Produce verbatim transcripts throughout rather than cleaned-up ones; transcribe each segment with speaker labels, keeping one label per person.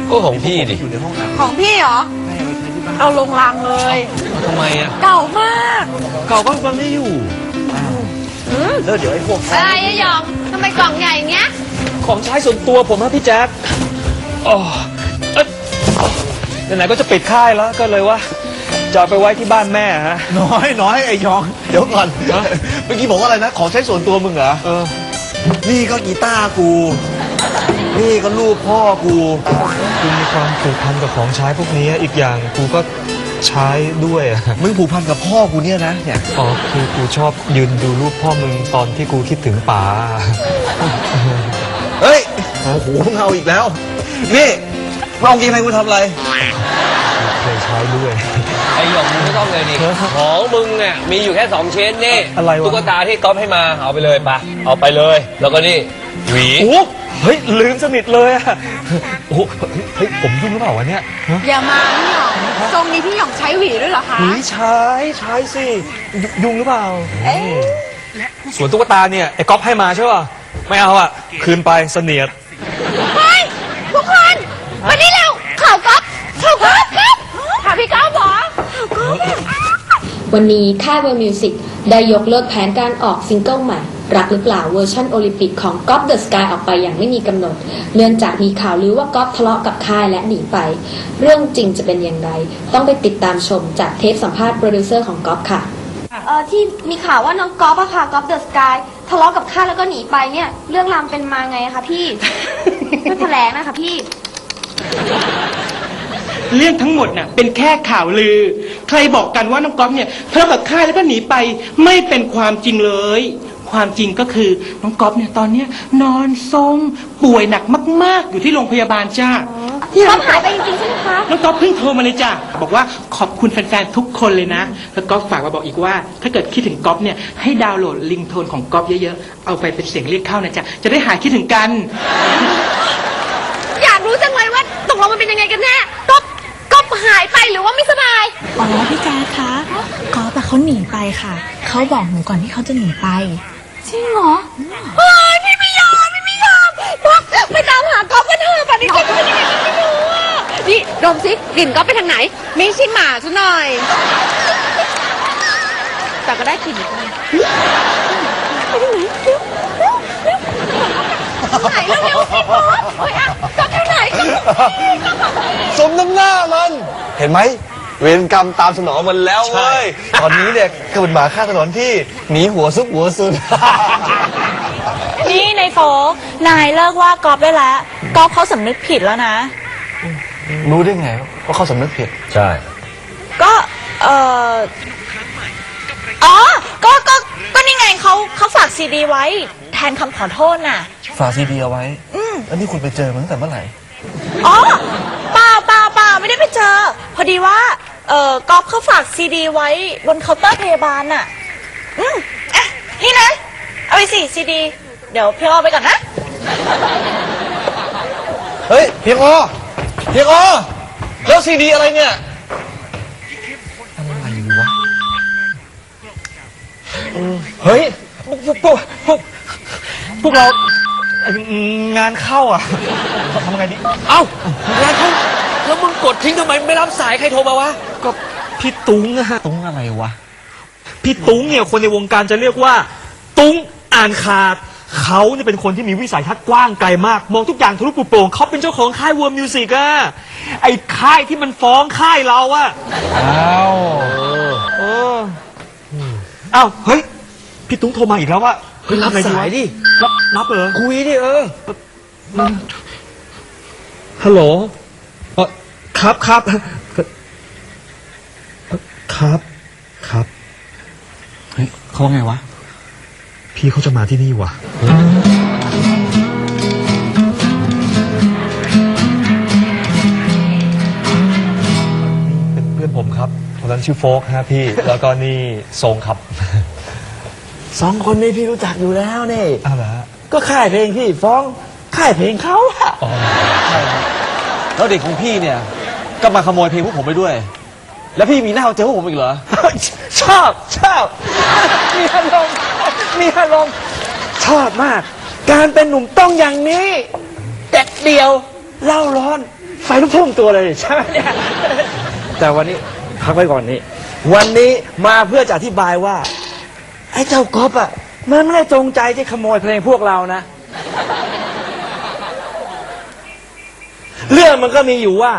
Speaker 1: ก็ของพี่ดิ
Speaker 2: อยู่ในห้องน้ำ
Speaker 3: ของพี่เหรอเอาลงรางเลย
Speaker 1: ทำไมอ่ะ
Speaker 3: เก่ามาก
Speaker 1: เก่าก็มันไม่อยู่
Speaker 2: แล้วเดี๋ยวไอ้พวก
Speaker 3: อะไรอะหยองทำไมกล่องใหญ่อย่างเงี้ย
Speaker 1: ของใช้ส่วนตัวผมฮะพี่แจ๊คอ๋อไหนๆก็จะปิดค่ายแล้วก็เลยว่าจะไปไว้ที่บ้านแม่ฮะ
Speaker 2: น้อยน้อยไอ้ยองเดี๋ยวก่อนเมื่อกี้บอกว่าอะไรนะของใช้ส่วนตัวมึงเหรอ
Speaker 1: เออ
Speaker 2: นี่ก็กีตาร์กูนี่ก็ลูกพ่อกู
Speaker 1: กูมีความผูกพันกับของใช้พวกนี้อีกอย่างกูก็ใช้ด้วยอ่ะ
Speaker 2: มึงผูกพันกับพ่อกูเนี่ยนะเนี่ย
Speaker 1: อ๋อคือกูชอบยืนดูรูปพ่อมึงตอนที่กูคิดถึงป๋า
Speaker 2: เฮ้ยโอ้โหมึงเอาอีกแล้วนี่ลองกินอะไรกูทำอะไร
Speaker 1: เคยใช้ด้วย
Speaker 4: ไอ้หยองมึงไม่ต้องเลยดิของมึงเนี่ยมีอยู่แค่สองชิ้นนี่
Speaker 1: อะไรวะ
Speaker 4: ตุ๊กตาที่ก๊อฟให้มาเอาไปเลยปะเอาไปเลยแล้วก็นี่หวี
Speaker 1: โอ้เฮ้ยลืมสนิทเลยอะโอ้เฮ้ยผมยุ่งหรือเปล่าวะเนี่ย
Speaker 3: อย่ามาพี่หยองทรงนี้พี่หยองใช้หวีด้วยเหรอคะ
Speaker 1: หวีใช้ใช้สิยุ่งหรือเปล่าส่วนตุ๊กตาเนี่ยไอ้ก๊อฟให้มาใช่ป่ะไม่เอาอะคืนไปเสนียด
Speaker 3: เฮ้ยทุกคนวันนี้เร็วข่าวก๊อฟข่าวก๊อฟข่าวพี่ก๊อฟเหรอ
Speaker 5: วันนี้ค่ายเวอร์มิวสิกได้ยกเลิกแผนการออกซิงเกิลใหม่รักหรือเปล่าเวอร์ชันโอลิมปิกของก๊อฟเดอะสกายออกไปอย่างไม่มีกำหนดเนื่องจากมีข่าวลือว่าก๊อฟทะเลาะกับค่ายและหนีไปเรื่องจริงจะเป็นอย่างไรต้องไปติดตามชมจากเทปสัมภาษณ์โปรดิวเซอร์ของก๊อฟค่ะ
Speaker 6: เออที่มีข่าวว่าน้องก๊อฟอะค่ะก๊อฟเดอะสกายทะเลาะกับค่ายแล้วก็หนีไปเนี่ยเรื่องราวเป็นมาไงคะพี่ช่วยแถลงนะคะพี่
Speaker 7: เรื่องทั้งหมดน่ะเป็นแค่ข่าวลือใครบอกกันว่าน้องก๊อฟเนี่ยทะเลาะกับค่ายแล้วก็หนีไปไม่เป็นความจริงเลยความจริงก็คือน้องก๊อฟเนี่ยตอนเนี้ยนอนทรงป่วยหนักมากๆอยู่ที่โรงพยาบาลจ้า
Speaker 6: ก๊อฟหายไปจริงๆใช่ไหมคะ
Speaker 7: น้องก๊อฟเพิ่งโทรมาเลยจ้าบอกว่าขอบคุณแฟนๆทุกคนเลยนะแล้วก๊อฟฝากมาบอกอีกว่าถ้าเกิดคิดถึงก๊อฟเนี่ยให้ดาวน์โหลดลิงโทนของก๊อฟเยอะๆเอาไปเป็นเสียงเรียกเข้านะจ๊ะจะได้หายคิดถึงกัน
Speaker 3: อยากรู้จังเลยว่าตกลงมันเป็นยังไงกันแน่ก๊อฟก๊อฟหายไปหรือว่าไม่สบาย
Speaker 8: อ๋อพี่แจ๊คคะก๊อฟแต่เขาหนีไปค่ะเขาบอกหนูก่อนที่เขาจะหนีไป
Speaker 3: จริงเหรอเฮ้ยพี่ไม่ยอมพี่ไม่ยอมไปตามหาก๊อฟกันเถอะป่านนี้ก๊อฟเป็นยังไงไม่รู้อ่ะนี่ดมซิกลิ่นก๊อฟไปทางไหนไม่ใช่หมาซะหน่อยแต่ก็ได้กลิ่นไปทางไหนไหนเร็วๆสิพ่อเฮ้ยอ่ะก๊อฟอยู่ไหน
Speaker 2: สมน้ำหน้ามันเห็นไหมเวรกรรมตามสนองมันแล้วเว้ยตอนนี้เนี่ยก็เป็นหมาข้างถนนที่หนีหัวซุกหัวซุน
Speaker 8: นี่ในโฟกนายเลิกว่าก๊อฟได้แล้วก๊อฟเขาสำนึกผิดแล้วนะ
Speaker 2: รู้ได้ไงว่าเขาสำนึกผิด
Speaker 4: ใช่
Speaker 8: ก็เอออ๋อก็ก็ก็นี่ไงเขาเขาฝากซีดีไว้แทนคำขอโทษน่ะ
Speaker 2: ฝากซีดีเอาไว้อืมแล้วนี่คุณไปเจอมันตั้งแต่เมื่อไหร่
Speaker 8: อ๋อเปล่าเปล่าเปล่าไม่ได้ไปเจอพอดีว่าเออก๊อฟเขาฝากซีดีไว้บนเคาน์เตอร์พยาบาลน่ะอืมอ่ะนี่นะเอาไปสิซีดีเดี๋ยวพี่เอาไปก่อนนะ
Speaker 2: เฮ้ยเพียงอเพียงอแล้วซีดีอะไรเนี่ยอะไรวะ
Speaker 1: เฮ้ยพวกพวกพวกพวกเรางานเข้าอ่ะทำไงดี
Speaker 4: เอ้างานเข้าแล้วมึงกดทิ้งทำไมไม่รับสายใครโทรมาวะ
Speaker 1: ก็พี่ตุ้งอะฮะ
Speaker 2: ตุ้งอะไรวะ
Speaker 1: พี่ตุ้งเนี่ยคนในวงการจะเรียกว่าตุ้งอ่านขาดเขาเนี่ยเป็นคนที่มีวิสัยทัศน์กว้างไกลมากมองทุกอย่างทะลุปลุกโปร่งเขาเป็นเจ้าของค่ายเวิร์มมิวสิกอะไอ้ค่ายที่มันฟ้องค่ายเราอะ
Speaker 2: อ้าว
Speaker 1: เอออ้าวเฮ้ยพี่ตุ้งโทรมาอีกแล้วว่า
Speaker 4: เฮ้ยรับสายดิ
Speaker 1: รับรับเหรอ
Speaker 4: คุยดิเออ
Speaker 1: ฮัลโหลครับครับครับครับ
Speaker 2: เฮ้ยเขาว่าไงวะ
Speaker 1: พี่เขาจะมาที่นี่วะเป็นเพื่อนผมครับคนนั้นชื่อโฟกฮะพี่แล้วก็นี่ทรงครับ
Speaker 2: สองคนนี้พี่รู้จักอยู่แล้วนี่
Speaker 1: อ้าวเหรอ
Speaker 2: ก็ค่ายเพลงพี่ฟ้องค่ายเพลงเขาอะ
Speaker 1: อ๋อ
Speaker 2: ใช่แล้วเด็กของพี่เนี่ยก็มาขโมยเพลงพวกผมไปด้วยแล้วพี่มีหน้าเอาเจอพวกผมอีกเหรอชอบชอบมีอารมณ์มีอารมณ์ชอบมากการเป็นหนุ่มต้องอย่างนี้เด็ดเดียวเล่าร้อนไฟลุกท่วมตัวเลยใช่ไหมเนี่ย แต่วันนี้พักไว้ก่อนนี้ วันนี้มาเพื่อจะอธิบายว่า ไอ้เจ้าก๊อฟอ่ะมันไม่ได้จงใจที่ขโมยเพลงพวกเรานะ เรื่องมันก็มีอยู่ว่า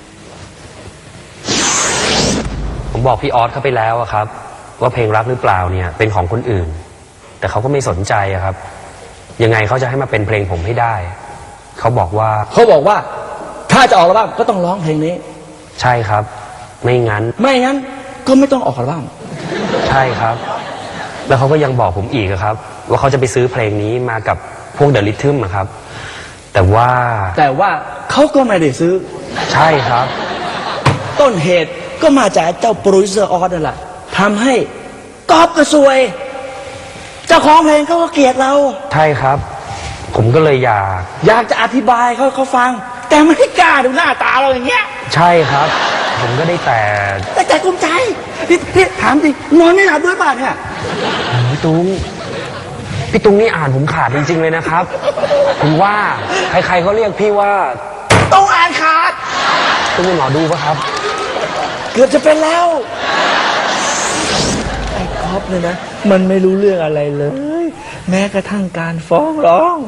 Speaker 4: ผมบอกพี่ออสเขาไปแล้วอะครับ ว่าเพลงรักหรือเปล่าเนี่ยเป็นของคนอื่น แต่เขาก็ไม่สนใจอะครับ ยังไงเขาจะให้มาเป็นเพลงผมให้ได้ เขาบอกว่า
Speaker 2: เขาบอกว่า ถ้าจะออกอัลบั้มก็ต้องร้องเพลงนี้
Speaker 4: ใช่ครับ ไม่งั้น
Speaker 2: ไม่งั้นก็ไม่ต้องออกอัลบั้ม
Speaker 4: ใช่ครับ แล้วเขาก็ยังบอกผมอีกอะครับ ว่าเขาจะไปซื้อเพลงนี้มากับพวกเดอะลิทึมอะครับ แต่ว่า
Speaker 2: แต่ว่าเขาก็ไม่ได้ซื้อ
Speaker 4: ใช่ครับ
Speaker 2: ต้นเหตุก็มาจากเจ้าโปรดิวเซอร์ออสนั่นแหละทำให้ก๊อฟก็ซวย เจ้าของเพลงเขาก็เกลียดเรา
Speaker 4: ใช่ครับ ผมก็เลยอยาก
Speaker 2: อยากจะอธิบายเขาเขาฟัง แต่ไม่กล้าดูหน้าตาเราอย่างเงี้ย
Speaker 4: ใช่ครับ ผมก็ได้แต่
Speaker 2: แต่ใจกุ้มใจพี่พี่ถามจริงนอนไม่หลับด้วยป่ะเนี่ย
Speaker 4: พี่ตุ้งพี่ตุ้งนี่อ่านผมขาดจริงๆเลยนะครับ ผมว่าใครๆเขาเรียกพี่ว่า
Speaker 2: ต้องอ่านขาด
Speaker 4: ตุ้งเป็นหมอดูปะครับ
Speaker 2: เกือบจะเป็นแล้ว ไอ้ก๊อฟเนี่ยนะ มันไม่รู้เรื่องอะไรเลย แม้กระทั่งการฟ้องร้อง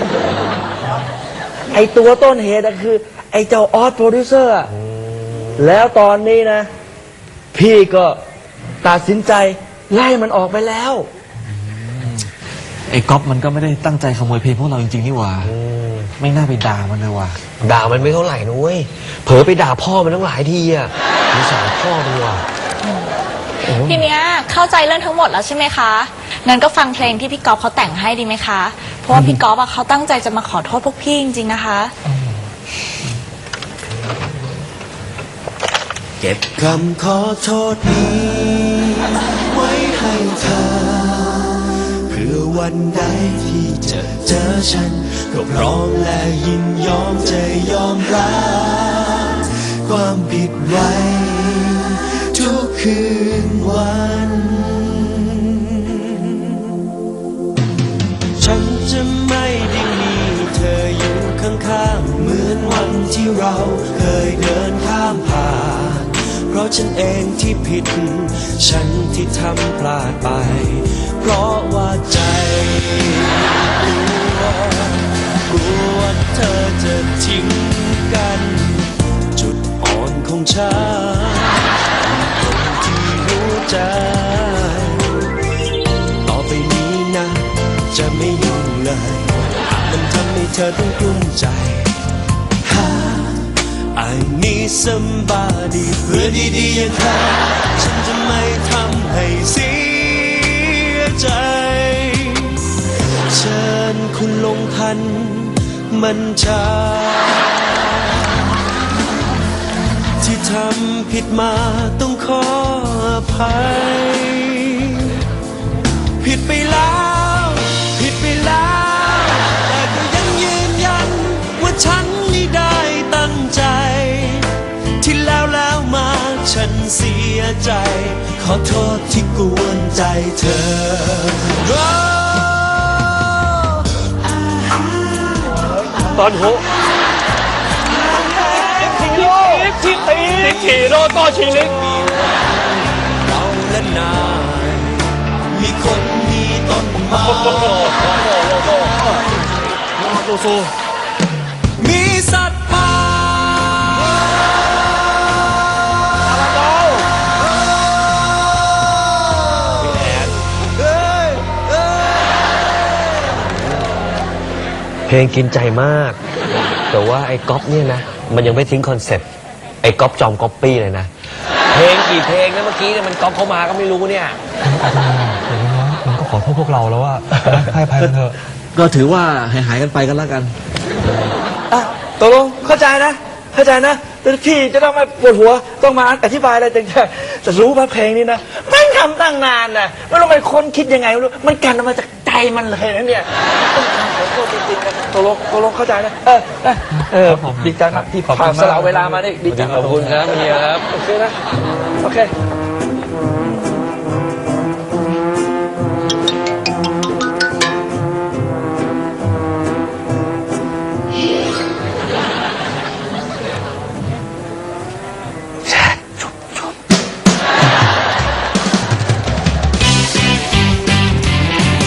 Speaker 2: ไอ้ตัวต้นเหตุก็คือ ไอ้เจ้าออสโปรดิวเซอร์อะแล้วตอนนี้นะ พี่ก็ตัดสินใจไล่มันออกไปแล้ว
Speaker 1: ไอ้ก๊อฟมันก็ไม่ได้ตั้งใจขโมยเพลงพวกเราจริงๆนี่หว่าไม่น่าไปด่ามันเลยว่ะ
Speaker 4: ด่ามันไม่เท่าไหร่นุ้ยเผลอไปด่าพ่อมันตั้งหลายทีอ่ะสงสารพ่อมันว่ะ
Speaker 8: ทีเนี้ยเข้าใจเรื่องทั้งหมดแล้วใช่ไหมคะงั้นก็ฟังเพลงที่พี่ก๊อฟเขาแต่งให้ดีไหมคะ เพราะว่าพี่ก๊อฟอะเขาตั้งใจจะมาขอโทษพวกพี่จริงๆนะคะ
Speaker 9: เก็บคำขอโทษนี้ไว้ให้เธอ เพื่อวันใดที่จะเจอฉัน ก็พร้อมและยินยอมจะยอมรับความผิดไว้ทุกคืนวัน ฉันจะไม่ได้มีเธออยู่ข้างๆเหมือนวันที่เราเคยเดินข้ามผ่าน เพราะฉันเองที่ผิด ฉันที่ทำพลาดไป เพราะว่าใจกลัวกลัวเธอจะทิ้งกัน จุดอ่อนของฉันคนที่รู้ใจ ต่อไปนี้นะ จะไม่ยุ่งเลยหากมันทำให้เธอต้องกลุ้มใจ I need somebody เพื่อนดีๆอย่างเธอฉันจะไม่ทำให้เสียใจ เชิญคุณลงทันมันชาที่ทำผิดมาต้องขออภัย ผิดไปแล้วผิดไปแล้วแต่ก็ยังยืนยันว่าฉันไม่ได้ตั้งใจ ที่แล้วแล้วมาฉันเสียใจ ขอโทษที่กวนใจเธอ
Speaker 1: ตอนโหชิลิกชิลิกชิโรโตชิลิก
Speaker 9: เราและนายมีคนมีต้นไม้
Speaker 1: โลโซ
Speaker 9: มีสัตว์ป่า
Speaker 4: เพลงกินใจมาก แต่ว่าไอ้ก๊อปเนี่ยนะมันยังไม่ทิ้งคอนเซ็ปต์ไอ้ก๊อปจอมก๊อปปี้เลยนะ เพลงกี่เพลงนะเมื่อกี้เนี่ยมันก๊อปเข้ามาก็ไม่รู้เนี่ย
Speaker 1: มันก็ขอโทษพวกเราแล้วว่าให้อภัยมันเถอะ
Speaker 2: ก็ถือว่าหายหายๆกันไปกันแล้วกันอ่ะตกลงเข้าใจนะ เข้าใจนะแต่พี่จะต้องมาปวดหัวต้องมาอธิบายอะไรต่างๆจะรู้ว่าเพลงนี้นะมันทำตั้งนานนะไม่รู้มันคนคิดยังไงไม่รู้มันกันออกมาจากใจมันเลยนะเนี่ยต้องทำขอโทษจริงๆนะตกลงตกลงเข้าใจนะเออเออเออดีใจมากที่ผ่านสละเวลามาได้ดีใจ
Speaker 4: ขอบคุณครับเฮียครับ
Speaker 2: โอเคนะโอเค